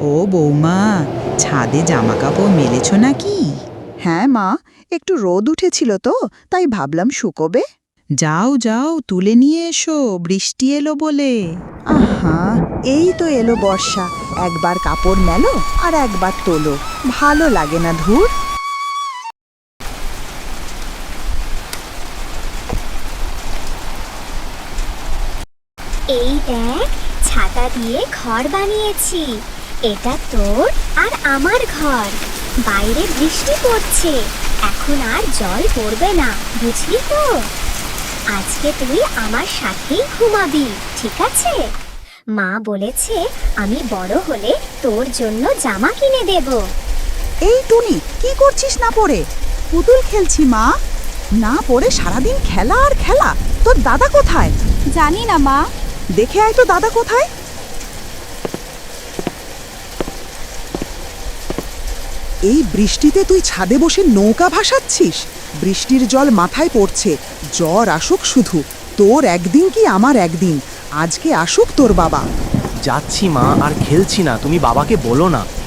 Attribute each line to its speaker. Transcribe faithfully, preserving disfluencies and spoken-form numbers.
Speaker 1: ও বৌমা, ছাদে জামা কাপড় মেলেছ নাকি?
Speaker 2: হ্যাঁ মা, একটু রোদ উঠেছিল তো, তাই ভাবলাম শুকোবে।
Speaker 1: যাও যাও, তুলে নিয়ে এসো, বৃষ্টি এলো বলে।
Speaker 2: আহা, এই তো এলো বর্ষা, একবার কাপড় মেলো আর একবার তোলো, ভালো লাগে না ধুর।
Speaker 3: এই দেখ, ছাতা দিয়ে ঘর বানিয়েছি। এটা তোর আর আমার ঘর। বাইরে বৃষ্টি পড়ছে, এখন আর জল পড়বে না, বুঝলি তো? আজকে তুই আমার সাথেই ঘুমাবি, ঠিক আছে? মা বলেছে আমি বড় হলে তোর জন্য জামা কিনে দেব।
Speaker 2: এই টুনি, কি করছিস না পড়ে? পুতুল খেলছি মা। না পড়ে সারাদিন খেলা আর খেলা। তোর দাদা কোথায়?
Speaker 3: জানি না মা।
Speaker 2: দেখে আয় তো দাদা কোথায়। এই বৃষ্টিতে তুই ছাদে বসে নৌকা ভাসাচ্ছিস? বৃষ্টির জল মাথায় পড়ছে, জ্বর আসুক শুধু। তোর একদিন কি আমার একদিন, আজকে আসুক তোর বাবা।
Speaker 4: যাচ্ছি মা, আর খেলছি না, তুমি বাবাকে বলো না।